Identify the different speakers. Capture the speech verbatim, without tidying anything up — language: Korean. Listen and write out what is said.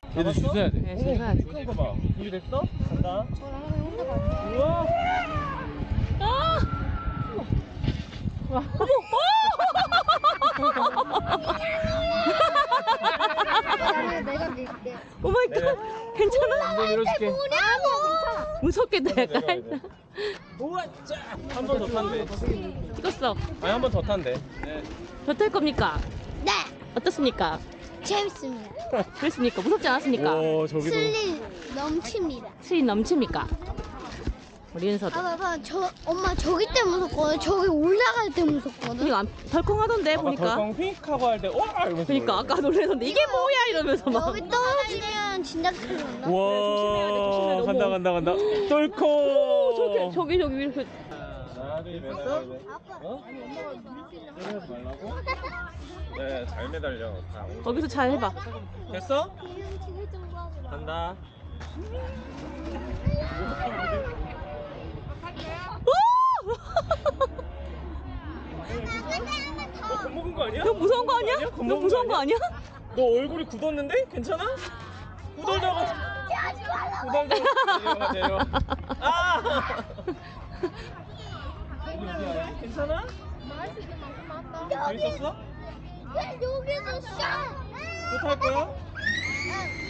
Speaker 1: 얘들 줄 서야 돼.
Speaker 2: 네, 줄 서야지.
Speaker 1: 큰 거 봐. 준비됐어? 간다.
Speaker 3: 저랑 혼자 갈게요.
Speaker 1: 우와.
Speaker 2: 아! 와.
Speaker 3: 나는 내가 밀게.
Speaker 2: 오 마이 갓. 괜찮아?
Speaker 1: 한번 밀어줄게.
Speaker 3: 뭐냐고!
Speaker 2: 무섭게 내가
Speaker 1: 내려가야 돼. 우와, 짜. 한 번 더 탄대.
Speaker 2: 찍었어.
Speaker 1: 아니, 한 번 더 탄대. 네.
Speaker 2: 더 탈 겁니까?
Speaker 3: 네!
Speaker 2: 어떻습니까?
Speaker 3: 재밌습니다.
Speaker 2: 그랬습니까? 무섭지 않았습니까?
Speaker 1: 오, 저기도.
Speaker 3: 스릴 넘칩니다.
Speaker 2: 스릴 넘칩니까? 우리 윤서도.
Speaker 3: 아, 봐봐. 저, 엄마 저기 때 무섭거든. 저기 올라갈 때 무섭거든.
Speaker 2: 이거 안 덜컹하던데
Speaker 1: 아까
Speaker 2: 보니까.
Speaker 1: 덜컹 휙 하고 할 때, 와! 이러면서.
Speaker 2: 그러니까 아까 놀래던데 이게 뭐야 이러면서 막.
Speaker 3: 여기 떨어지면 진짜 큰일 난다.
Speaker 1: 우와.
Speaker 2: 조심해야 돼, 조심해야 돼.
Speaker 1: 간다,
Speaker 2: 어머.
Speaker 1: 간다, 간다. 덜컹.
Speaker 2: 오, 저기 저기 저기 이렇게.
Speaker 1: 하나, 둘, 매달려야 돼. 어? 내려가지 말라고? 네, 잘 매달려. 다.
Speaker 2: 거기서 잘 해봐.
Speaker 1: 됐어?
Speaker 3: 지금 지금 정도 하지 마.
Speaker 1: 간다. 너 겁먹은 거 아니야?
Speaker 2: 너 무서운 거 아니야? 너
Speaker 1: 겁먹은
Speaker 2: 무서운 거 아니야?
Speaker 1: 너 얼굴이 굳었는데? 괜찮아? 후덜덜 후덜덜 내려와 내려와. 아! 괜찮아? 재밌었어?
Speaker 3: 왜 여기서 샤?
Speaker 1: 또 탈 거야?